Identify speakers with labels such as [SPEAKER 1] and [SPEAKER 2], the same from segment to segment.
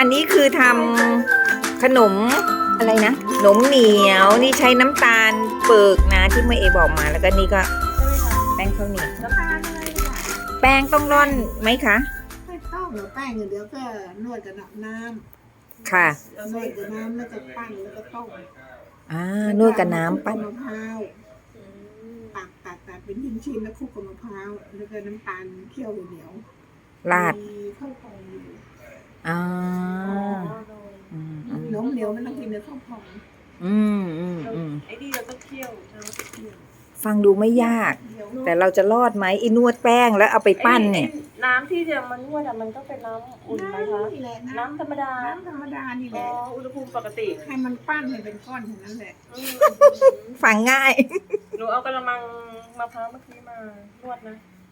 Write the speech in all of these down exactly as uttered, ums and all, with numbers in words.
[SPEAKER 1] อันนี้คือทำขนมอะไรนะขนมเหนียวนี่ใช้น้ำตาลเปิกนะที่เมื่อเอบอกมาแล้วก็นี่ก็แป้งข้าวเหนียว
[SPEAKER 2] น้ำตาลอะไรล่ะ
[SPEAKER 1] แป้งต้องร่อนไหมคะ
[SPEAKER 2] ไม่ต้องหรือแป้งอย่างเดียวก็นวดกับน้ำ
[SPEAKER 1] ค่ะ
[SPEAKER 2] นวดกับน้ำแล้วก็ปั้นแล้วก็ต้ม
[SPEAKER 1] อ่านวดกับน้ำปั้น
[SPEAKER 2] มะพร้าวตัดตัดตัดเป็นชิ้นๆแล้วคลุกกับมะพร้าวแล้วก็น้ำตาลเคี่ยวเหนียว
[SPEAKER 1] ราด
[SPEAKER 2] มีข้าวพองอยู่
[SPEAKER 1] อ่าอืมอืม
[SPEAKER 2] น้มเหนียวมันต้องกินในข้าวพอง
[SPEAKER 1] อืมอืมอืม
[SPEAKER 3] ไอ้นี่เราต้องเคี่ยวเราต้องเคี่ยว
[SPEAKER 1] ฟังดูไม่ยาก แต่เราจะรอดไหมไอ้นวดแป้งแล้วเอาไปปั้นเนี่ย
[SPEAKER 3] ไอ้น้ำที่จะมันนวดอะมันต้องเป็นน้ำอุ่นไหมคะ
[SPEAKER 2] นี่แหละ
[SPEAKER 3] น้ำธรรมดา
[SPEAKER 2] น้ำธรรมดานี่แห
[SPEAKER 3] อ๋อ
[SPEAKER 2] ละ
[SPEAKER 3] อุณหภูมิปกติ
[SPEAKER 2] ให้มันปั้นให้เป็นก้อนอย่างนั้นแหละ
[SPEAKER 3] อืม
[SPEAKER 1] ฟังง่าย
[SPEAKER 3] หนูเอากระมังมะพร้าวเมื่อกี้มานวดนะ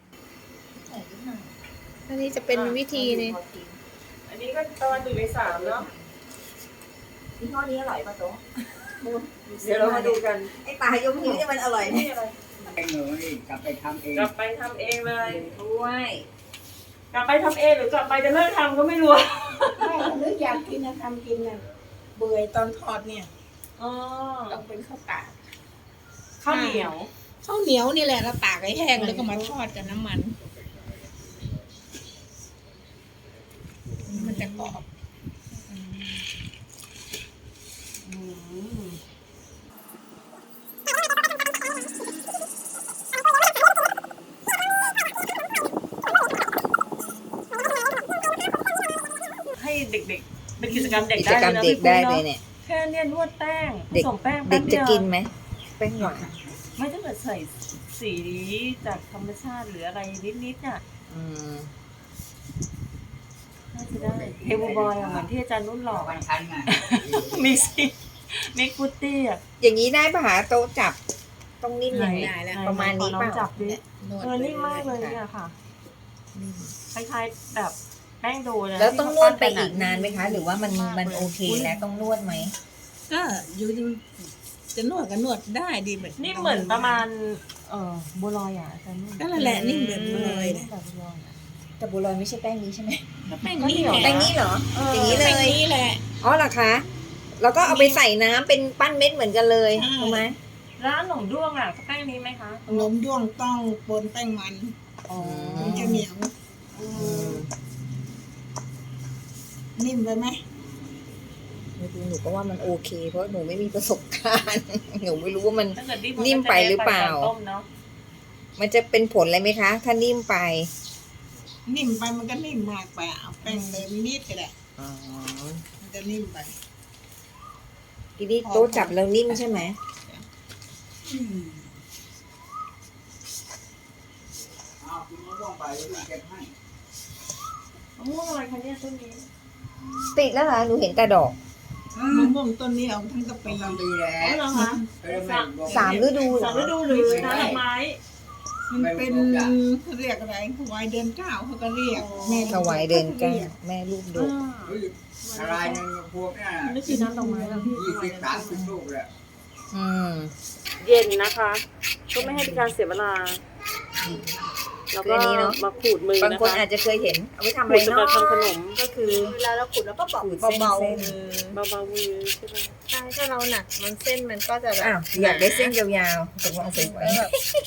[SPEAKER 4] อันนี้จะเป็นวิธีนี่
[SPEAKER 3] อันนี้ก็ตอนหนึ่งในสามเนาะ
[SPEAKER 1] ยี่ห้อนี้อร่อยป่ะโต๊ะ
[SPEAKER 3] เดี๋ยวเรามาดูกัน
[SPEAKER 1] ไอ้ปลายกนิ้วเนี่ยมันอร่อยไหม
[SPEAKER 3] นี่อะไร
[SPEAKER 5] เองเลยกลับไปทำเอง
[SPEAKER 3] กลับไปทำเองเลย
[SPEAKER 1] ด้วย
[SPEAKER 3] กลับไปทำเองหรือกลับไปจะเลิกทำก็ไม่รู้
[SPEAKER 2] แม่นึกอยากกินนะทำกินน่ะเบื่อตอนทอดเนี่ย
[SPEAKER 3] อ๋อ
[SPEAKER 2] ต้องเป็นข้าวตาก
[SPEAKER 3] ข้าวเหนียว
[SPEAKER 2] ข้าวเหนียวนี่แหละเราตากให้แห้งแล้วก็มาทอดกับน้ำมัน มันจะกรอบ
[SPEAKER 3] อืมให้เด็กๆ เป็นกิจกรรมเด็ก
[SPEAKER 1] กิ
[SPEAKER 3] ได้
[SPEAKER 1] จกรรม
[SPEAKER 3] เลยนะ
[SPEAKER 1] เด็ก
[SPEAKER 3] พี่
[SPEAKER 1] ได้
[SPEAKER 3] ปุ้
[SPEAKER 1] เลย
[SPEAKER 3] เนาะ
[SPEAKER 1] เนี่ย
[SPEAKER 3] แค่เนี่ยนวดแป้งผ
[SPEAKER 1] เด็ก
[SPEAKER 3] สมแป้ง
[SPEAKER 1] เด็
[SPEAKER 3] แป๊
[SPEAKER 1] ก
[SPEAKER 3] บ
[SPEAKER 1] จะ
[SPEAKER 3] เดียว
[SPEAKER 1] กินไหมแป้งหวาน
[SPEAKER 3] ไม่ถ้าเกิดใส่สีจากธรรมชาติหรืออะไรนิดๆน่ะ
[SPEAKER 1] อืม
[SPEAKER 3] น่าจะได้เฮลบอยอะเหมือนที่อาจารย์นุ่นหลอก
[SPEAKER 5] วั
[SPEAKER 3] อะ
[SPEAKER 5] นทันไง
[SPEAKER 3] มีสิมีฟุตตี้อะ
[SPEAKER 1] อย่างนี้ได้ปะหาโต๊ะจับต้องนิ่มอย่างนี้
[SPEAKER 2] ได้แล้ว
[SPEAKER 1] ประมาณนี้
[SPEAKER 3] ขออง
[SPEAKER 1] เปล่า
[SPEAKER 3] จับดิ
[SPEAKER 2] นวด
[SPEAKER 3] เออนิ่มมากเลยเนี่ยค่ะ คล้ายๆแบบแป้งโดนะ
[SPEAKER 1] แล้วต้องนวดไปอีก
[SPEAKER 3] ที่เขปั้
[SPEAKER 1] นานไหมคะ หรือว่ามันมันโอเคแล้วต้องนวดไหม
[SPEAKER 2] ก็อยู่จะนวดก็นวดได้ดีแบบ
[SPEAKER 3] นี่เหมือนประมาณ เออบัวลอยอ่ะอาจารย์นุ่น
[SPEAKER 2] ก็นั่นแหละนิ่มแบบบัวลอย
[SPEAKER 3] นิ่
[SPEAKER 2] นะ
[SPEAKER 3] มแบบบัวลอยอะ
[SPEAKER 1] แต่บัวลอยไม่ใช่แป้งนี้ใช่ไหม
[SPEAKER 2] แป้งนี่แหละ
[SPEAKER 1] แป้งนี้เหรอ อย่างนี้เลย
[SPEAKER 2] แป้งนี้แหละ
[SPEAKER 1] อ๋อเหรอคะ แล้วก็เอาไปใส่น้ำเป็นปั้นเม็ดเหมือนกันเลย
[SPEAKER 2] ใช่
[SPEAKER 1] ถูกไหม
[SPEAKER 3] ร้านหนมด้วงอ่ะก็แป้งนี้ไหมคะ
[SPEAKER 2] ขนมด้วงต้องปนแป้งมัน
[SPEAKER 1] อ๋อ
[SPEAKER 2] มันจะเหนียว
[SPEAKER 1] อืม
[SPEAKER 2] นิ่มไปไหม
[SPEAKER 1] ไม่รู้หนูก็ว่ามันโอเค เพราะหนูไม่มีประสบการณ์ หนูไม่รู้ว่ามัน
[SPEAKER 3] ถ้าเกิดนิ่ม
[SPEAKER 1] นิ่มไปหรือเปล่า
[SPEAKER 3] ตอนต้มเนาะ
[SPEAKER 1] มันจะเป็นผลอะไรไหมคะ ถ้านิ่มไป
[SPEAKER 2] นิ่มไปมันก็นิ่มมากไปเอาแป้งเติมนิดก็ได้
[SPEAKER 1] อ๋อ
[SPEAKER 2] มันจะนิ่มไป
[SPEAKER 1] ทีนี้โต๊ะจับแล้วนิ่มใช่ไหม
[SPEAKER 5] อ้าวคุณมะม่วงไปแล้วเก็บให้
[SPEAKER 3] มะม่วงอะไรคะเนี่ยต้นนี้
[SPEAKER 1] ติดแล้วเหรอ หนูเห็นแต่ดอก
[SPEAKER 2] มะม่วงต้นนี้เอาทั้งกะ
[SPEAKER 5] ไป
[SPEAKER 2] ปี
[SPEAKER 5] ทำดีแล้
[SPEAKER 3] อ๋อ
[SPEAKER 5] ว
[SPEAKER 3] เหรอคะ
[SPEAKER 5] เออไม่บอก
[SPEAKER 1] สามฤดูเหร
[SPEAKER 3] สา
[SPEAKER 1] อ
[SPEAKER 3] มฤดูหรือน้ำดอกไม้
[SPEAKER 2] มันเป็นเขาเรียกอะไรถวายเดือนเก้าเขาก็เรียกแม่
[SPEAKER 1] ถวายเดินเก้าแม่ลูกด
[SPEAKER 3] อ่าก
[SPEAKER 5] เฮ้ยอะไรนึงพวกเนี่ย
[SPEAKER 3] นี่คือน้ำดอกไม้เหรอพี่
[SPEAKER 5] ยี่สิบสามสิบลูกแล้ว
[SPEAKER 1] อืม
[SPEAKER 3] เย็นนะคะก็ไม่ให้เป็นการเสียเวลา แล้วก็
[SPEAKER 1] คืออันนี้เนอะ
[SPEAKER 3] มาขูดมือบ
[SPEAKER 1] าง
[SPEAKER 3] นะ
[SPEAKER 1] คน
[SPEAKER 3] คะ
[SPEAKER 1] อาจจะเคยเห็น เอาไปทำอะ
[SPEAKER 3] ขู
[SPEAKER 1] ไร
[SPEAKER 3] ดสำห
[SPEAKER 1] เนาะ
[SPEAKER 3] รับทำขนมก็คือ
[SPEAKER 4] เวลาเราขุดเราก็บอก
[SPEAKER 1] ขูดเส้น
[SPEAKER 4] เบา
[SPEAKER 1] เส้น
[SPEAKER 3] เบาๆมือใช่ไหม
[SPEAKER 4] ๆใช่ถ้าเราหนักมันเส้นมันก็จะแบบ
[SPEAKER 1] อ้าวอยากได้เส้นยาวๆตกลงเอาไปไว้
[SPEAKER 4] แล้วแบบ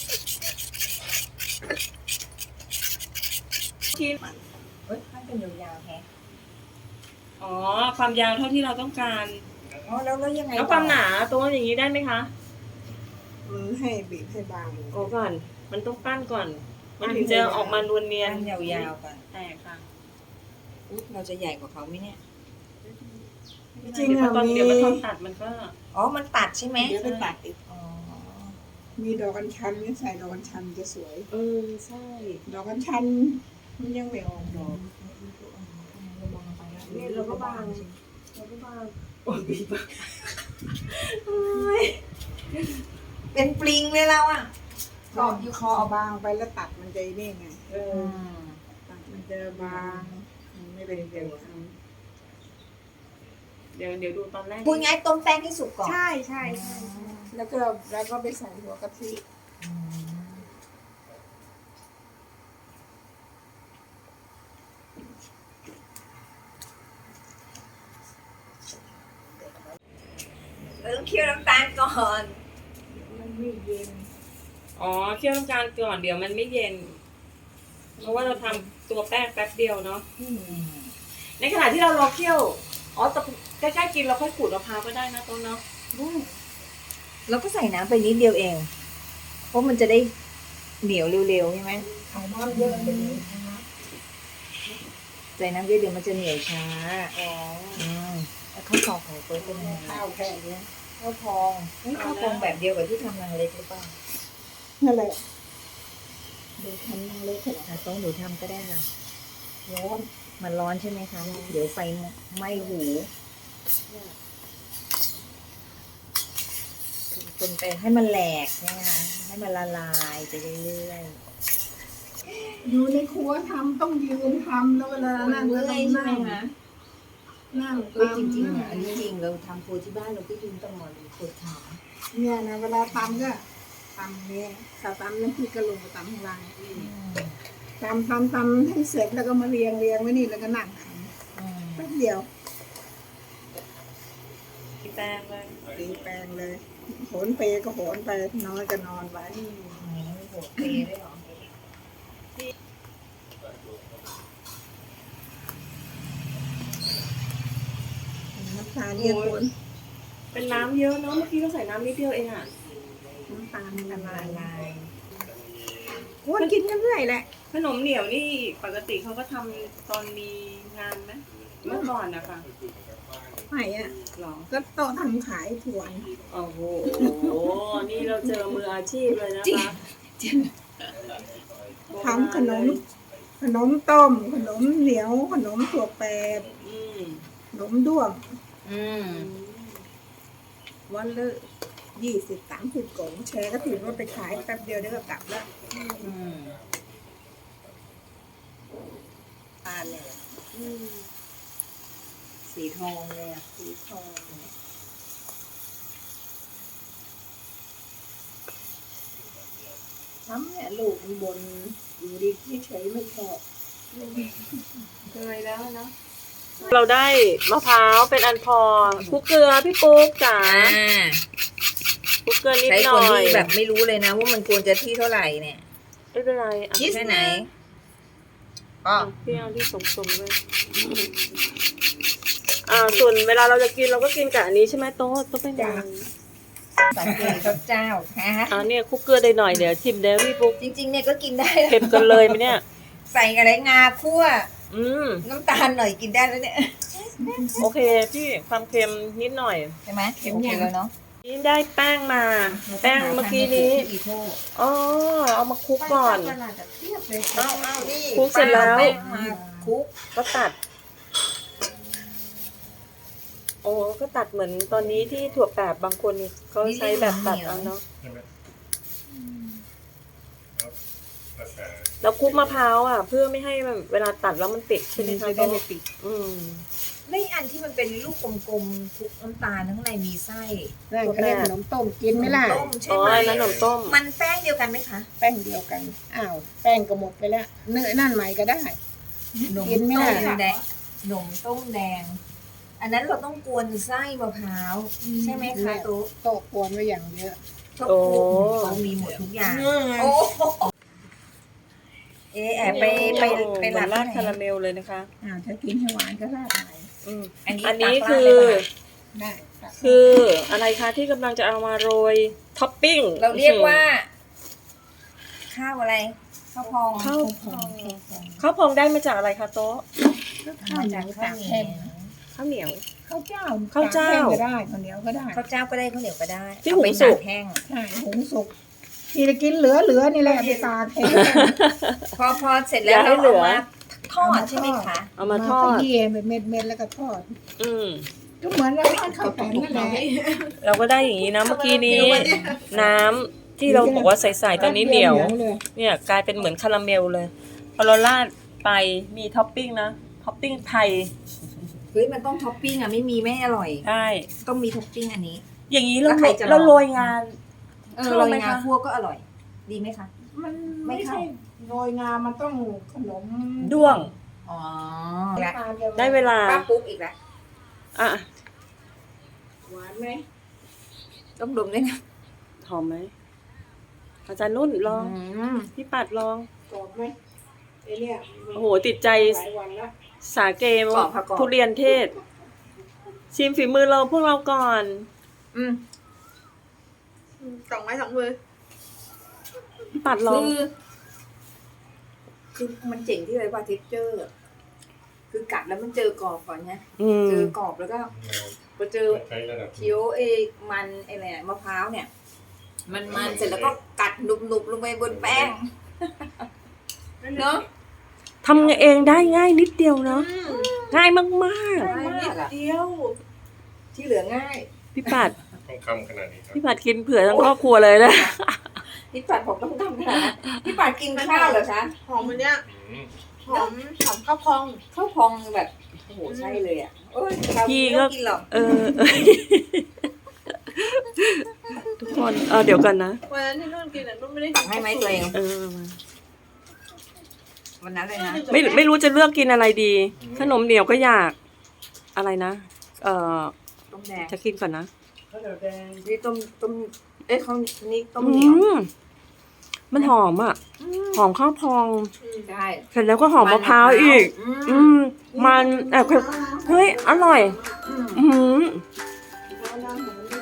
[SPEAKER 3] ที่
[SPEAKER 1] เฮ้ยถ้าเป็นยาวๆแฮะ
[SPEAKER 3] อ๋อความยาวเท่าที่เราต้องการ
[SPEAKER 1] อ๋อแล้วแล้วยังไง
[SPEAKER 3] แล้วความหนาตัวอย่างนี้ได้ไหมคะ
[SPEAKER 2] มันให้บีบให้บาง
[SPEAKER 3] โอ้ก่อน มันต้องปั้นก่อน มันถึงจะออกมานวลเนียน
[SPEAKER 1] ปั้นยาวๆก่อน
[SPEAKER 3] แต่ค่ะ
[SPEAKER 1] อุ๊ยเราจะใหญ่กว่าเขาไหมเนี่ย
[SPEAKER 2] จริง
[SPEAKER 3] เดี๋ยว
[SPEAKER 2] อ่ะ
[SPEAKER 3] ตอน
[SPEAKER 2] มี
[SPEAKER 3] เดี๋ยวมันตอนตัดมันก็
[SPEAKER 1] อ๋อ มันตัดใช่ไหม
[SPEAKER 2] เดี๋ยวไปตัดอีก
[SPEAKER 1] อ๋อ
[SPEAKER 2] มีดอกอัญชันนี่ใส่ดอกอัญชันจะสวย
[SPEAKER 3] เออใช่
[SPEAKER 2] ดอกอัญชันมันยังไม่ออกดอก
[SPEAKER 3] นี่เราก็บางเราก็บางโอ้ยบาง
[SPEAKER 1] เป็นปลิงเลยเราอ่ะ
[SPEAKER 2] ก็คอเอาบางไปแล้วตัดมันจะนี่ไง
[SPEAKER 3] เออ
[SPEAKER 2] ตัดมันจะบางมันไม่เป็นเกลียวท
[SPEAKER 3] เดี๋ยวเดี๋ยวดูตอนแรก
[SPEAKER 1] พูดง่ายต้มแป้งให้สุกก่อน
[SPEAKER 2] ำใช่ใช่ใช่แล้วก็แล้วก็ไปใส่หัวกะทิ
[SPEAKER 1] อืมเราต้องเคี่ยวน้ำตาลก่อน
[SPEAKER 2] มันไม่เย็น
[SPEAKER 3] อ๋อเคี่ยวน้ำตาลก่อนเดี๋ยวมันไม่เย็น เพราะว่าเราทำตัวแป้งแป๊บเดียวเนาะในขณะที่เรารอเคี่ยวอ๋อแต่ใกล้ๆกินเราค่อยขูดมะพร้าวก็ได้นะต้นเนาะ
[SPEAKER 1] เราก็ใส่น้ำไปนิดเดียวเอง เพราะมันจะได้เหนียวเร็วๆใช่ไหม
[SPEAKER 2] เอาน้ำเยอะไปเลยนะ
[SPEAKER 1] ใส่น้ำเยอะเดี๋ยวมันจะเหนียวช้า
[SPEAKER 3] อ๋อ
[SPEAKER 1] อืมแล้วข้าวพองของเฟิร์สเป็นยังไง
[SPEAKER 2] ข้าวแค่เนี้ย
[SPEAKER 1] ข้าวพองเฮ้ยข้าวพองแบบเดียวกับที่ทำนางเล็กหรือเปล่า
[SPEAKER 2] นั่นแหละดูทำนั่งเล็กเถอะ
[SPEAKER 1] อ่ะต้องหนูทำก็ได้ค่ะ
[SPEAKER 2] ร้อน
[SPEAKER 1] มันร้อนใช่ไหมคะ เดี๋ยวไฟไหม้หูคนไปให้มันแหลกนะคะให้มันละลายไปเรื่อย
[SPEAKER 2] อยู่ในครัวทำต้องยืนทำแล้วเวลา
[SPEAKER 1] ๆ
[SPEAKER 2] นั่งก็ต้องนั่งนั่ง
[SPEAKER 1] เออ
[SPEAKER 2] ตำ
[SPEAKER 1] จริงๆอ่ะอันนี้จริงเราทำโครัวที่บ้านเราก็ยืนตลอดเลยปวดขา
[SPEAKER 2] เนี่ยนะเวลาตำก็ตำเนี่ยถ้าตำน้ำพริกกระลงก็ตำข้างล่างตำตำตำให้เสร็จแล้วก็มาเรียงเรียงไว้นี่แล้วก็นั่งท
[SPEAKER 1] อืม
[SPEAKER 2] ำแป๊บเดียว
[SPEAKER 3] แป้งเลย
[SPEAKER 2] ตีแปลงเลยโหนเปก็โหนไปนอนก็นอนไว้
[SPEAKER 1] โอ้โหเปย์ด้วยเหรอ
[SPEAKER 2] น้ำตาลเนี่ยคน
[SPEAKER 3] เป็นน้ำเยอะเนาะเมื่อกี้เราใส่น้ำนิดเดียวเองอ่ะ
[SPEAKER 2] น้ำตาลละลาย
[SPEAKER 1] ลาย
[SPEAKER 2] คนกินกันเรื่อยแหละ
[SPEAKER 3] ขนมเหนียวนี่ปกติเขาก็ทำตอนมีงานไหมเมื่อก่อนนะคะ
[SPEAKER 2] ไม่อะ
[SPEAKER 3] หรอ
[SPEAKER 2] ก็โต๊ะทำขายถ่วน
[SPEAKER 3] โอ้โห นี่เราเจอมืออาชีพเลยนะคะ
[SPEAKER 2] ทำขนม ขนมต้ม ขนมเหนียว ขนมถั่วแปบ
[SPEAKER 3] อืม
[SPEAKER 2] ขนมด้วง
[SPEAKER 1] อืม
[SPEAKER 2] วันละยี่สิบสามสิบกล่องแชร์ก็ถือว่าไปขายแป๊บเดียวเดี๋ยวก็กลับแล้ว
[SPEAKER 1] อืม
[SPEAKER 2] ทานเนี่ย
[SPEAKER 3] อืม
[SPEAKER 1] สีทองเลยอ่ะ
[SPEAKER 2] สีทองทำเนี่ยลูกมันบนอยู่ดีที่เฉยไม่ชอบ
[SPEAKER 3] เคยแล้วเนาะเราได้มะพร้าวเป็นอันพอคลุกเกลือพี่ปุ๊กจ๋า
[SPEAKER 1] อ่า
[SPEAKER 3] คลุกเกลือนิด
[SPEAKER 1] ใช้
[SPEAKER 3] ห
[SPEAKER 1] คน
[SPEAKER 3] น่อย
[SPEAKER 1] ที่แบบไม่รู้เลยนะว่ามันควรจะที่เท่าไหร่เนี่ย
[SPEAKER 3] ไม่เป็นไรอ่ะ
[SPEAKER 1] แค่ไหนอ๋อ
[SPEAKER 3] พี่เอาที่สมๆเลยอ่า ส่วนเวลาเราจะกินเราก็กินกับอันนี้ใช่ไหมโต๊ะโต๊ะเป็นยัง
[SPEAKER 1] สังเกตกับเจ้าฮะ
[SPEAKER 3] อ่าเนี่ยคลุกเกลือได้หน่อยเดี๋ยวชิมเดี๋ยวพี่ปุ๊ก
[SPEAKER 1] จริง ๆ เนี่ยก็กินได้
[SPEAKER 3] เค็มกันเลยไหมเนี่ย
[SPEAKER 1] ใส่อะไรงาคั่ว
[SPEAKER 3] อืม
[SPEAKER 1] น้ำตาลหน่อยกินได้แล้วเนี่ย
[SPEAKER 3] โอเคพี่ความเค็มนิดหน่อย
[SPEAKER 1] ใช่ไหมโอเคแล้วเนาะ
[SPEAKER 3] นี่ได้แป้งมา แป้งเมื่อกี้นี้
[SPEAKER 1] อีโท
[SPEAKER 3] อ๋อเอามาคลุกก่อน
[SPEAKER 2] ขนาดจะเทียบเลย
[SPEAKER 1] เอาเอานี่
[SPEAKER 3] คลุกเสร็จแล้ว
[SPEAKER 1] ป้าอาป้งมาคลุก
[SPEAKER 3] ก็ตัด โอ้ก็ตัดเหมือนตอนนี้ที่ถั่วแปบบางคนก็ใช้แบบตัดเอาเนาะแล้วคลุกมะพร้าวอ่ะ เพื่อไม่ให้แบบเวลาตัดแล้วมันติดใช่ไหมคะ
[SPEAKER 2] จะได้ไม่ติด
[SPEAKER 3] อืม
[SPEAKER 1] ไม่อันที่มันเป็นลูกกลมๆคลุกน้ำตาลข้างในมีไส้
[SPEAKER 2] นั่นเขาเรียกขนมต้มกินไหมล่ะ
[SPEAKER 1] ต้มใช่
[SPEAKER 3] อ๋อ
[SPEAKER 1] ไหม
[SPEAKER 3] อันนั้นขนมต้ม
[SPEAKER 1] มันแป้งเดียวกันไหมคะ
[SPEAKER 2] แป้งเดียวกัน อ้าว แป้งก็หมดไปแล้ว เนื้อนั่นใหม่ก็ได้
[SPEAKER 1] หนม
[SPEAKER 2] กินไหม
[SPEAKER 1] ต้
[SPEAKER 2] ล่ะ
[SPEAKER 1] มแดงหนมต้มแดง อันนั้นเราต้องกวนไส้มะพร้าวใช่ไหมคะตุ๊ก
[SPEAKER 2] โต๊ะกวนไว้อย่างเยอะ
[SPEAKER 1] ทุกเขามีหมดทุกอย่างโอ้เอะแอบไปไปไปหลับ
[SPEAKER 3] ราด
[SPEAKER 1] ที่
[SPEAKER 3] คา
[SPEAKER 1] ไหน
[SPEAKER 3] ราเมลเลยนะคะ
[SPEAKER 2] อ้าวถ้ากินให้หวานก็ราดใหม่
[SPEAKER 3] อืม
[SPEAKER 1] อันนี้
[SPEAKER 3] อันนี้
[SPEAKER 1] ตักราด
[SPEAKER 3] คือ
[SPEAKER 1] เลยป่ะ
[SPEAKER 2] ได้ตัก
[SPEAKER 3] คืออะไรคะที่กำลังจะเอามาโรยท็อปปิ้ง
[SPEAKER 1] เราเรียกว่า ข้าวอะไรข้าวพอง
[SPEAKER 3] ข้าว
[SPEAKER 2] พอง
[SPEAKER 3] ข้าวพองได้มาจากอะไรคะโต๊ะ
[SPEAKER 2] ข้าวเหนียวตากแห้ง
[SPEAKER 3] ข้าวเหนียว
[SPEAKER 2] ข้าวเจ้า
[SPEAKER 3] ข้าวเจ้า
[SPEAKER 2] ตกแห้งก็ได้ข้าวเหนียวก็ได้
[SPEAKER 1] ข้าวเจ้าก็ได้ข้าวเหนียวก็ได้
[SPEAKER 3] ที่
[SPEAKER 1] เอาไป
[SPEAKER 3] หุงสุ
[SPEAKER 1] ตาก กแห้ง
[SPEAKER 2] ใช่หุงสุกที่จะกินเหลือเหลือนี่แหละไปตากแห้ง
[SPEAKER 1] พอพอเสร็จแล้ว
[SPEAKER 3] อย่าให้
[SPEAKER 1] เรา
[SPEAKER 3] เหลื
[SPEAKER 1] เอา
[SPEAKER 3] อ
[SPEAKER 1] มาทอดใช่ไหมคะ
[SPEAKER 3] เอามาทอด
[SPEAKER 2] ขยี้เป็นเม็ดเม็ดๆแล้วก็ทอด
[SPEAKER 3] อืม
[SPEAKER 2] ก็เหมือนเราทอดข้าวแผ่นนั่นแหละ
[SPEAKER 3] เราก็ได้อย่างนี้นะเมื่อกี้นี้ น้ำที่เราบอกว่าใส่ๆตอนนี้เหนียว
[SPEAKER 2] เลย
[SPEAKER 3] เนี่ยกลายเป็นเหมือนคาราเมลเลยพอเราราดไปมีท็อปปิ้งนะท็อปปิ้งไทย
[SPEAKER 1] เฮ้ยมันต้องท็อปปิ้งอ่ะไม่มีไม่อร่อย
[SPEAKER 3] ได้
[SPEAKER 1] ต้องมีท็อปปิ้งอันนี้
[SPEAKER 3] อย่างนี้เรา
[SPEAKER 1] แล้วใครจะลอง
[SPEAKER 3] เราโรยงาน
[SPEAKER 1] เออ
[SPEAKER 3] ชอบ
[SPEAKER 1] โรย
[SPEAKER 3] ไหม
[SPEAKER 1] งา
[SPEAKER 3] คะ
[SPEAKER 1] คั่วก็อร่อย ดีไหมคะ
[SPEAKER 2] มัน
[SPEAKER 1] ไม่
[SPEAKER 2] ไม่
[SPEAKER 1] เข้า
[SPEAKER 2] ใช่โรยงามันต้องขนม
[SPEAKER 3] ด้วง
[SPEAKER 1] อ๋อ
[SPEAKER 2] น้ำตาล
[SPEAKER 3] ได้เวลา
[SPEAKER 1] ป้าปุ๊กอีกแล้ว
[SPEAKER 3] อ่ะ
[SPEAKER 2] หวานไหม
[SPEAKER 1] ต้องดมด้วยนะ
[SPEAKER 3] หอมไหมอาจารย์นุ่นลอง
[SPEAKER 1] อืม
[SPEAKER 3] พี่ปัดลอง
[SPEAKER 2] กรอบไหมไอเนี่ย
[SPEAKER 3] โอ้โหติดใจ
[SPEAKER 2] หลายวันแล้ว
[SPEAKER 3] สาเก
[SPEAKER 1] กรอบค่ะกรอบ
[SPEAKER 3] ทุเรียนเทศ ชิมฝีมือเราพวกเราก่อน
[SPEAKER 1] อืม
[SPEAKER 4] สองไม้สองมือ
[SPEAKER 3] พี่ปัดลอง
[SPEAKER 1] คือคือมันเจ๋งที่เลยว่าเท็กเจอร์คือกัดแล้วมันเจอกรอบก่อนนะ
[SPEAKER 3] อืม
[SPEAKER 1] เจอกรอบแล้วก็พอเจอ
[SPEAKER 6] ใช้ระดับ
[SPEAKER 1] เคี้ยวเอมันไออะไรอะมะพร้าวเนี่ย มันมันเสร็จแล้วก็กัดหนุบๆลงไปบนแป้งเนาะ
[SPEAKER 3] ทำเองได้ง่ายนิดเดียวเนาะง่ายมาก
[SPEAKER 1] ง่ายมากอะ
[SPEAKER 4] เดียว
[SPEAKER 1] ที่เหลือง่าย
[SPEAKER 3] ๆ พี่ปัด
[SPEAKER 6] ต้องคำขนาดนี้ครับ
[SPEAKER 3] พี่ปัดกินเผื่อทั้งครอบครัวเลยนะ
[SPEAKER 1] พี่ปัดผมต้องทำขนาดนั้นพี่ปัดกินข้าวเหรอคะ
[SPEAKER 4] หอมมันเนี้ย
[SPEAKER 6] อืม
[SPEAKER 4] หอมหอมข้าวพอง
[SPEAKER 1] ข้าวพองแบบโอ้โหใช่เลยอ่ะโอ้ยเรา
[SPEAKER 3] พี่
[SPEAKER 1] ไม่
[SPEAKER 3] ก็
[SPEAKER 1] ต้องกินหรอก
[SPEAKER 3] เออเออทุกคนเออเดี๋ยวกันนะ
[SPEAKER 4] วันนั้นที่นุ่นกินอ่ะนุ่นไม่ได้
[SPEAKER 1] ตักให้ไหมตัวเอง
[SPEAKER 3] เออมา
[SPEAKER 1] วันนั้นเลยนะ
[SPEAKER 3] ไม่ไม่รู้จะเลือกกินอะไรดี ขนมเหนียวก็อยากอะไรนะ เออ
[SPEAKER 1] ต้มแดง
[SPEAKER 3] จะกินก่อนนะ
[SPEAKER 2] ข้าวเหนียวแดง
[SPEAKER 1] นี่ต้มต้มเอ้ยเขานี่ต้ม
[SPEAKER 3] อื
[SPEAKER 1] เหนียว
[SPEAKER 3] มมันหอมอ่ะ หอมข้าวพอง
[SPEAKER 1] ใช่
[SPEAKER 3] เสร็จแล้วก็หอมมะพร้าวอีก
[SPEAKER 1] อื
[SPEAKER 3] อื
[SPEAKER 1] ม
[SPEAKER 3] ม มันแอบเฮ้ย อร่อย
[SPEAKER 1] อืม
[SPEAKER 3] อืม
[SPEAKER 2] ข้าวน้ำหอมดี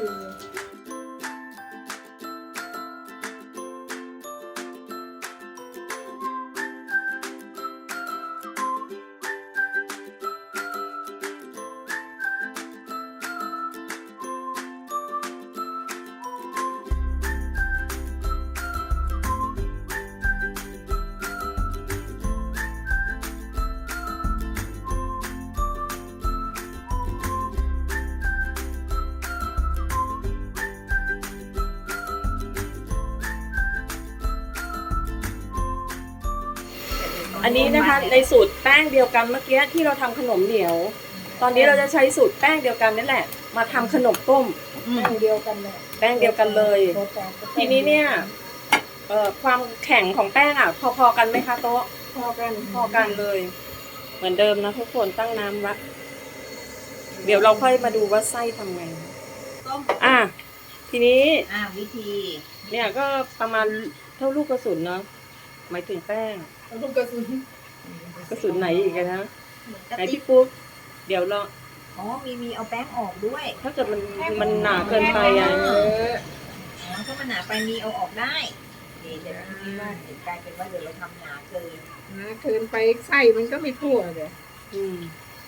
[SPEAKER 3] อันนี้นะคะในสูตรแป้งเดียวกันเมื่อกี้ที่เราทำขนมเหนียว ตอนนี้เราจะใช้สูตรแป้งเดียวกันนี่แหละ มาทำขนมต้ม
[SPEAKER 1] อืม
[SPEAKER 2] แป้งเดียวกันเลย
[SPEAKER 3] แป้งเดียวกันเลย
[SPEAKER 2] รสชาติก็
[SPEAKER 3] ทีนี้เนี่ยเอ่อความแข็งของแป้งอ่ะ พอๆกันไหมคะโต๊ะ
[SPEAKER 2] พอกัน
[SPEAKER 3] พอกันเลย เหมือนเดิมนะทุกคนตั้งน้ำละเดี๋ยวเราค่อยมาดูว่าไส้ทำไง
[SPEAKER 4] ต้ม
[SPEAKER 3] อ่ะทีนี้
[SPEAKER 1] อ่าวิธี
[SPEAKER 3] เนี่ยก็ประมาณเท่าลูกกระสุนเนาะหมายถึงแป้ง
[SPEAKER 2] แล้วลูกกระสุน
[SPEAKER 3] กระสุนไหนอีกอะนะ
[SPEAKER 4] เหมือนกระ
[SPEAKER 3] ไหน
[SPEAKER 4] ติก
[SPEAKER 3] พี่ปุ๊กเดี๋ยวเรา
[SPEAKER 1] อ๋อมีมีเอาแป้งออกด้วย
[SPEAKER 3] ถ้าเกิดมันมันหนาเกินไปอ่ะ
[SPEAKER 2] เออ
[SPEAKER 1] อ๋อถ้ามันหนาไปมีเอาออกได้นี่เดี๋ยวคิดว่าเดี๋ยวกลายเป็นว่าเดี๋ยวเราทำหนาเกิน
[SPEAKER 2] นะเกินไปไส้มันก็ไม่ทั่วเลย
[SPEAKER 3] อืม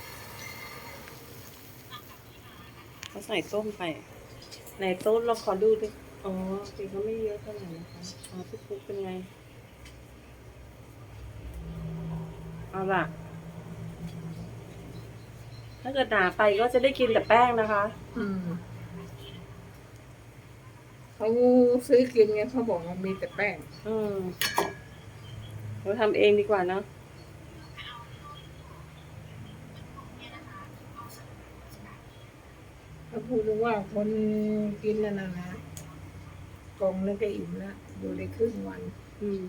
[SPEAKER 3] เขาใส่ต้มไปในโต๊ะเราขอดูดิอ๋อจริงเขาไม่เยอะเท่าไหร่นะคะอ๋อพี่ปุ๊กเป็นไงเอาล่ะ ถ้าเกิดหนาไปก็จะได้กินแต่แป้งนะคะ
[SPEAKER 2] อืมเขาซื้อกินไงเขาบอกว่ามีแต่แป้ง
[SPEAKER 3] อืมเราทำเองดีกว่าเนอะ
[SPEAKER 2] เขาพูดว่าคนกินนั่นนะนะกล่องนึงก็อิ่มแล้วอยู่ได้ครึ่งวัน
[SPEAKER 3] อืม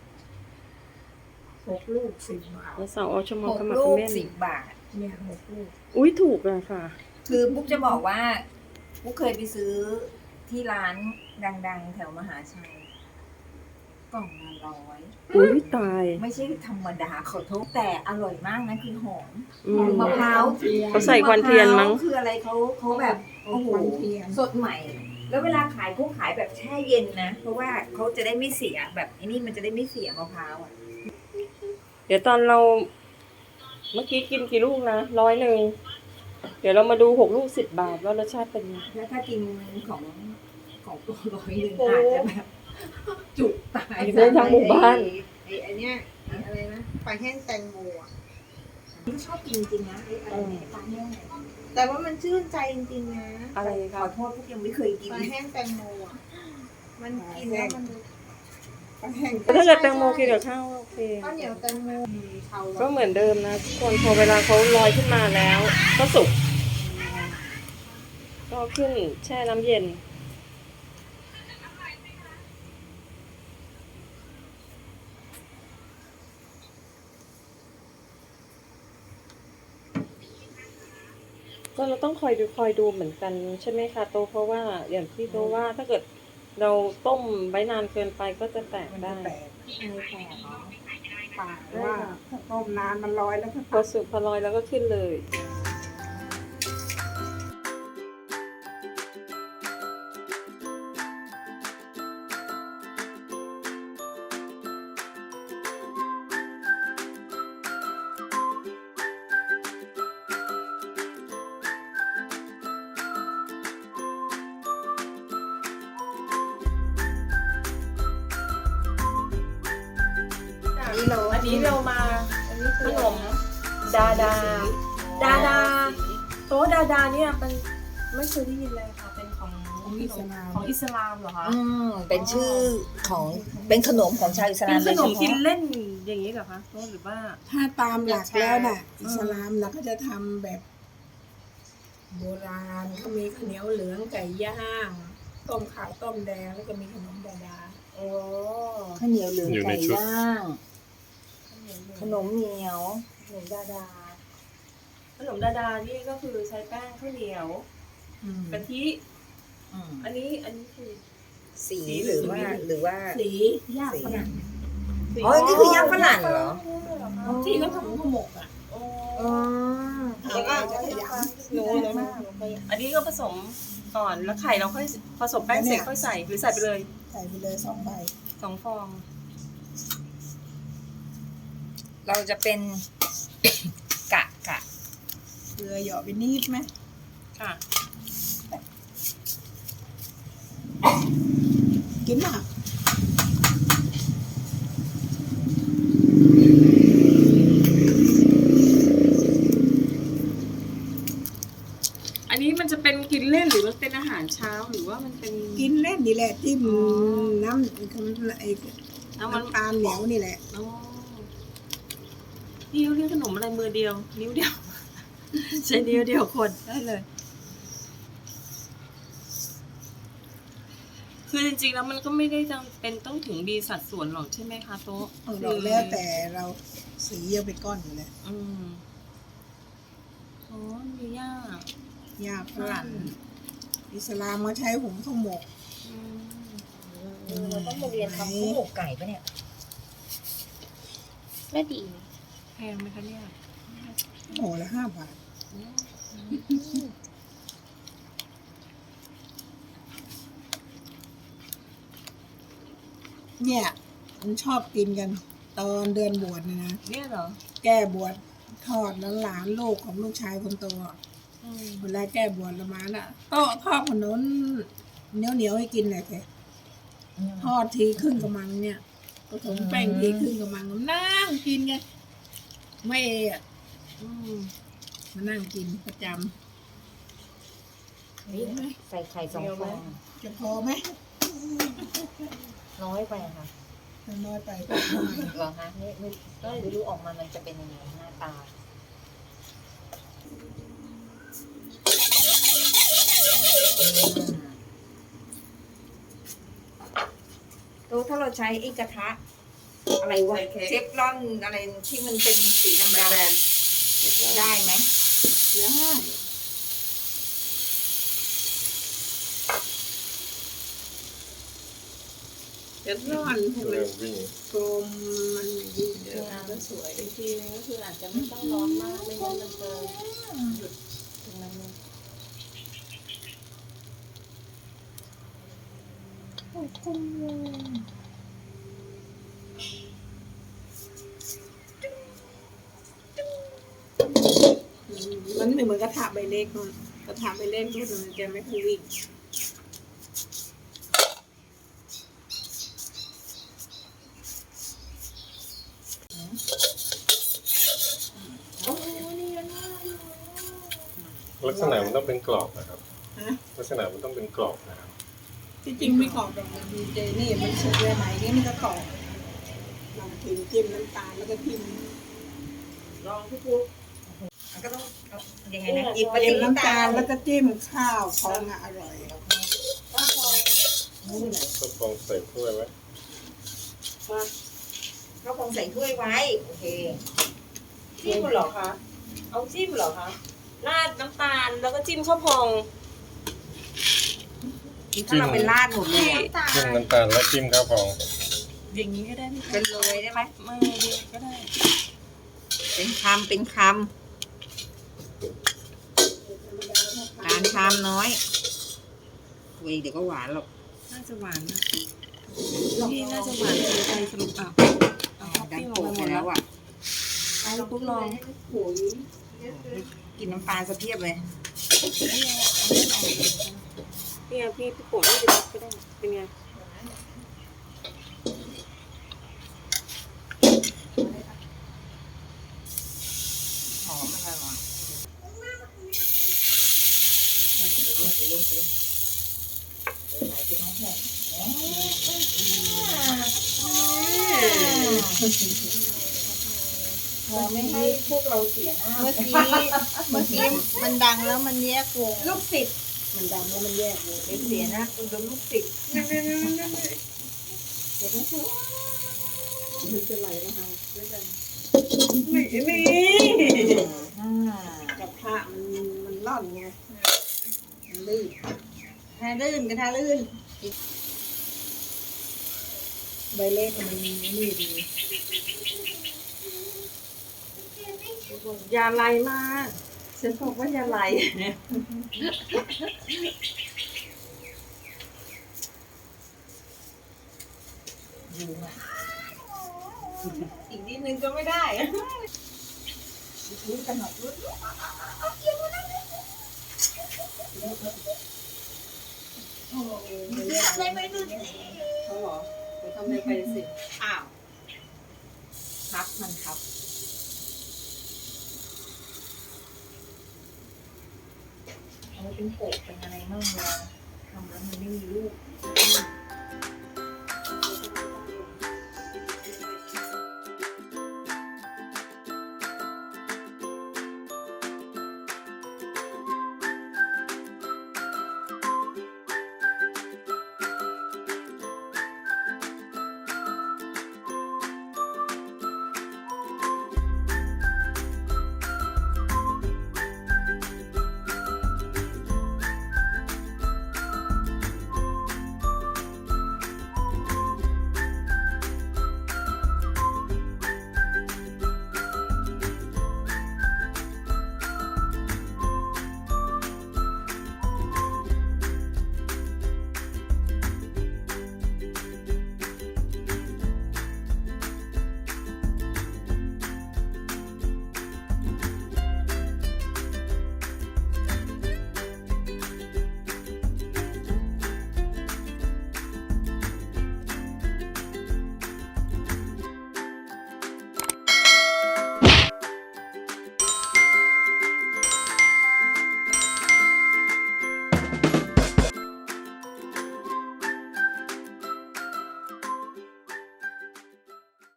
[SPEAKER 2] หกลูกสิบบาท
[SPEAKER 3] แล้วสาวเอาชั่วโม
[SPEAKER 1] ห
[SPEAKER 3] ง
[SPEAKER 1] ก
[SPEAKER 3] เข้ามา
[SPEAKER 1] ลู
[SPEAKER 3] คอม
[SPEAKER 1] ก
[SPEAKER 3] เมนต์
[SPEAKER 1] สิบบาท
[SPEAKER 2] เนี่ยหกลูก
[SPEAKER 3] อุ้ยถูกเลยค่ะ
[SPEAKER 1] คือปุ๊กจะบอกว่าปุ๊กเคยไปซื้อที่ร้านดังๆ แถวมหาชัยกล่องละร้อย
[SPEAKER 3] อุ้ยตาย
[SPEAKER 1] ไม่ใช่ธรรมดาขอโทษแต่อร่อยมากนะคือหอม
[SPEAKER 3] อืม
[SPEAKER 1] มะพร้าว
[SPEAKER 3] เขาใส่ควันเทียนมั้ง
[SPEAKER 1] ะพร้าวคืออะไรเขาเขาแบบ
[SPEAKER 2] โอ้
[SPEAKER 1] โอ้
[SPEAKER 2] โห
[SPEAKER 1] โห
[SPEAKER 2] เทียน
[SPEAKER 1] สดใหม่ แล้วเวลาขายเขาขายแบบแช่เย็นนะ เพราะว่าเขาจะได้ไม่เสียแบบไอ้นี่มันจะได้ไม่เสียมะพร้าวอ่ะ
[SPEAKER 3] เดี๋ยวตอนเรา เมื่อกี้กินกี่ลูกนะร้อยหนึ่งเดี๋ยวเรามาดูหกลูกสิบบาทว่ารสชาติเป็นไง
[SPEAKER 1] แล้วถ้ากินของของตัวร้อยหนึ่งอาจจะแบบจุกตาย
[SPEAKER 3] ได้ทั้งหมู่บ้าน
[SPEAKER 2] ไอ้ไอ้เนี่ยอะไรนะปลาแห้งแตงโมอ่ะ
[SPEAKER 1] ชอบกินจริงนะไอ้อะไรเนี่ยปลาแห้งเนี่ย
[SPEAKER 4] แต่ว่ามันชื่นใจจริงๆนะ
[SPEAKER 3] อะไร
[SPEAKER 1] ข
[SPEAKER 3] คะ
[SPEAKER 1] อโทษพวกยังไม่เคยกิน
[SPEAKER 4] ปลาแห้งแตงโมอ่ะ มันกินแล้วมัน
[SPEAKER 2] ปลาแห้ง
[SPEAKER 3] แต่ถ้าเกิดแตงโมกินกับข้าวโอเค
[SPEAKER 4] ข้าวเหนียวแตงโมเทา
[SPEAKER 3] ก็เหมือนเดิมนะทุกคนพอเวลาเขาลอยขึ้นมาแล้ว ก็สุก ก็ขึ้นแช่น้ำเย็นก็เราต้องคอยดูคอยดูเหมือนกันใช่ไหมคะโตเพราะว่าอย่างที่โตว่าถ้าเกิดเราต้มไว้นานเกินไปก็จะแตก
[SPEAKER 2] มัน
[SPEAKER 3] ได้
[SPEAKER 2] จะแตกไม่แตกปากว่าถ้าต้มนานมันลอยแล้วก็
[SPEAKER 3] พอสุกพอลอยแล้วก็ขึ้นเลย
[SPEAKER 1] นี่เรา
[SPEAKER 3] อันนี้เรามาขนมดาดา ดาดาโต๊ะดาดาเนี่ยมันไม่เคยได้ยินเลยค่ะเป็นของ
[SPEAKER 2] ของอิสลาม
[SPEAKER 3] ของอิสลามเหรอคะ
[SPEAKER 1] อืมเป็นชื่อของเป็นขนมของชาวอิส
[SPEAKER 3] เป็
[SPEAKER 1] ลาม
[SPEAKER 3] นข
[SPEAKER 1] โดย
[SPEAKER 3] น
[SPEAKER 1] เฉ
[SPEAKER 3] มกิน
[SPEAKER 1] พาะ
[SPEAKER 3] เล่นอย่างนี้เหรอคะโต๊ะหรือว่า
[SPEAKER 2] ถ้าตามหลักแล้วน่ะ อิสลามนะก็จะทำแบบ โบราณก็มีข้าวเหนียวเหลืองไก่ย่างต้มขาวต้มแดงแล้วก็มีขนมดาดา
[SPEAKER 3] โอ้
[SPEAKER 1] ข้าวเหนียวเหลือง
[SPEAKER 6] อยู่ใน
[SPEAKER 1] ไก่
[SPEAKER 6] ชุด
[SPEAKER 1] ย่างขนมเหนียวขนมดาดา
[SPEAKER 3] ขนมดาดานี่ก็คือใช้แป้งข้าวเหนียว
[SPEAKER 2] อืม
[SPEAKER 3] กะทิ
[SPEAKER 1] อืม
[SPEAKER 3] อันนี้อันนี้คือ
[SPEAKER 1] สีหรือว่าหรือว่า
[SPEAKER 2] สีย่างฝรั่ง
[SPEAKER 1] อ๋อนี่คือย่างฝรั่งเหรอ
[SPEAKER 2] ที่เขาทำข้าวหมกอ่ะ
[SPEAKER 3] โอ้
[SPEAKER 1] อ๋อ
[SPEAKER 2] แล้วก็จะขยำรู้เลยมาก
[SPEAKER 3] อันนี้ก็ผสมก่อนแล้วไข่เราค่อยผสมแป้งเสร็จค่อยใส่หรือใส่ไปเลย
[SPEAKER 2] ใส่ไปเลยสองใบ
[SPEAKER 3] สองฟอง
[SPEAKER 1] เราจะเป็น กะกะ
[SPEAKER 2] เกลือหยอดไปนิดไหม
[SPEAKER 3] ค่ะ
[SPEAKER 2] กินหนัก
[SPEAKER 3] อันนี้มันจะเป็นกินเล่นหรือมันเป็นอาหารเช้าหรือว่ามันเป็น
[SPEAKER 2] กินเล่นนี่แหละจิ้ม
[SPEAKER 3] อ๋อ
[SPEAKER 2] น้ำไอ้
[SPEAKER 3] เอามัน
[SPEAKER 2] น้ำตาลเหนียวนี่แหละ
[SPEAKER 3] อ๋อนี่เขาเรียกขนมอะไรมือเดียว นิ้วเดียว ใช้นิ้วเดียวคนได้เลย คือจริงๆแล้วมันก็ไม่ได้จำเป็นต้องถึงดีสัดส่วนหรอกใช่ไหมคะโต๊ะ
[SPEAKER 2] เอาเราแล้วแต่เราสีเยอะไปก้อนอยู่เลย
[SPEAKER 3] อืมอ๋อมีย่า
[SPEAKER 2] ยาฝรั่งอิสลามมาใช้หุงข้าวหมก
[SPEAKER 3] อืม
[SPEAKER 1] เราต้องมาเรียนทำข้าวหมกไก่ปะเนี่ย
[SPEAKER 4] ก็ดี
[SPEAKER 3] แพงไหมคะเนี่ย
[SPEAKER 2] โอ้ละห้าบาท เนี่ยมันชอบกินกัน ตอนเดือนบวชนะนะ
[SPEAKER 3] เนี่ยเหรอ
[SPEAKER 2] แก้บวชทอดแล้วหลานลูกของลูกชายคนโตอะ
[SPEAKER 3] อืม
[SPEAKER 2] เวลาแก้บวชละมาน่ะก็ทอดขนมเหนียวเหนียวๆให้กินหน่อยแค่ทอดทีครึ่งกระมังเนี่ยผสมแป้งทีครึ่งกระมังนั่งกินไงไม่เอะ
[SPEAKER 3] อืม
[SPEAKER 2] มานั่งกินประจ
[SPEAKER 1] นี่ใส่ไข่สองฟอง
[SPEAKER 2] ำจะพอไหม
[SPEAKER 1] น้อยไปอะค่ะ
[SPEAKER 2] น้อยไปก็ไม่
[SPEAKER 1] เหรอคะไม่ไม่ก็ไม่รู้ออกมามันจะเป็นยังไงหน้าตาอืมตัวถ้าเราใช้ไอ้กระทะ อะไรวะเชฟรอนอะไรที่มันเป็นสีดำๆได้ไหม
[SPEAKER 2] ได้ เดี๋ยวร้อนให้มัน
[SPEAKER 6] เริ่มวิ่ง
[SPEAKER 2] กลมมันดีเดี๋ยว
[SPEAKER 3] งานก็สวยอีกทีนึงก็คืออาจจะไม่ต้องร้อนมากไม่งั้นมันจะหยุดตรงนั้นเลย
[SPEAKER 2] มันไม่เหมือนกระทะใบเล็กนู่นกระทะใบเล็กนู่นมันจะไม่ค่อยวิ่ง
[SPEAKER 6] ลักษณะมันต้องเป็นกรอบนะครับ
[SPEAKER 2] ฮะ
[SPEAKER 6] ลักษณะมันต้องเป็นกรอบนะครับ
[SPEAKER 2] ที่จริงไม่กรอบหรอกมันดีเจนี่มันสุกเลยไหนนี่มันก็กรอบลองกินจิ้มน้ำตาลแล้วก็จิ้ม
[SPEAKER 3] ลองพี่ปุ๊ก
[SPEAKER 1] มันก็ต้องเอายังไงนะหยิบไป
[SPEAKER 2] จิ้ม
[SPEAKER 1] เลย
[SPEAKER 2] น้ำตาลแล้วก็จิ้มข้าวพองอ่ะอร่อย
[SPEAKER 6] ก็ฟองใส่ถ้วยไว้
[SPEAKER 3] มา
[SPEAKER 1] เขาคงใส่ถ้วยไว้ โอเค
[SPEAKER 3] จิ้มเหรอคะ เอาจิ้มเหรอคะ
[SPEAKER 1] อ
[SPEAKER 3] ราดน้ำตาลแล้วก็จิ้มข้าวพอง
[SPEAKER 1] ถ้าเราเป็นราดหมดเลยอะ
[SPEAKER 6] จิ้มน้ำตาลแล้วจิ้มข้าวพอง
[SPEAKER 3] อย่างนี้ก็ได้ไหม
[SPEAKER 1] เป็นโรยได้ไหม
[SPEAKER 3] ไม่เดียวก็ได้
[SPEAKER 1] เป็นคำเป็นคำการชามน้อยเว้ยเดี๋ยวก็หวานหรอก
[SPEAKER 3] น่าจะหวานนะนี่น่าจะหวานเกินไปสรุปอ่ะเอาท็อป
[SPEAKER 1] ดัน
[SPEAKER 3] ปิ้งล
[SPEAKER 1] โป
[SPEAKER 3] ง
[SPEAKER 1] ก
[SPEAKER 3] ไปห
[SPEAKER 1] ไป
[SPEAKER 3] มด
[SPEAKER 1] แล้
[SPEAKER 3] แล้ว ว
[SPEAKER 1] อ่ะ
[SPEAKER 3] เอาลูกลอง
[SPEAKER 1] กินน้ำปลาสะเพียบเลย
[SPEAKER 3] นี่ไงพี่พี่โปะนี่ไปรับก็ได้เป็นไง
[SPEAKER 1] หอมมันอร่อยไม่ให้พวกเราเสียหน้า
[SPEAKER 4] เมื่อกี้เมื่อกี้มันดังแล้วมันแยกวง
[SPEAKER 1] ลูกศิษย์มันดังแล้วมันแยกเลยเป็นเสียหน้าคุณโดนลูกศิษย์
[SPEAKER 3] ไม่มี
[SPEAKER 4] กับพระมันมันร่อนไงมันลื่นถ้าลื่นก็ถ้าลื่นใบเล็กมันมีนี่ดี
[SPEAKER 3] อย่าไหลมากฉันบอกว่าอย่าไหล
[SPEAKER 4] อีกนิดนึงก็ไม่ได้อะ
[SPEAKER 3] เขาเหรอไปทำอะไรไปสิ
[SPEAKER 1] อ้าวครับมันครับเอาไว้เป็นโปกเป็นอะไรมั่งเวลาทำแล้วมันไม่มีลูก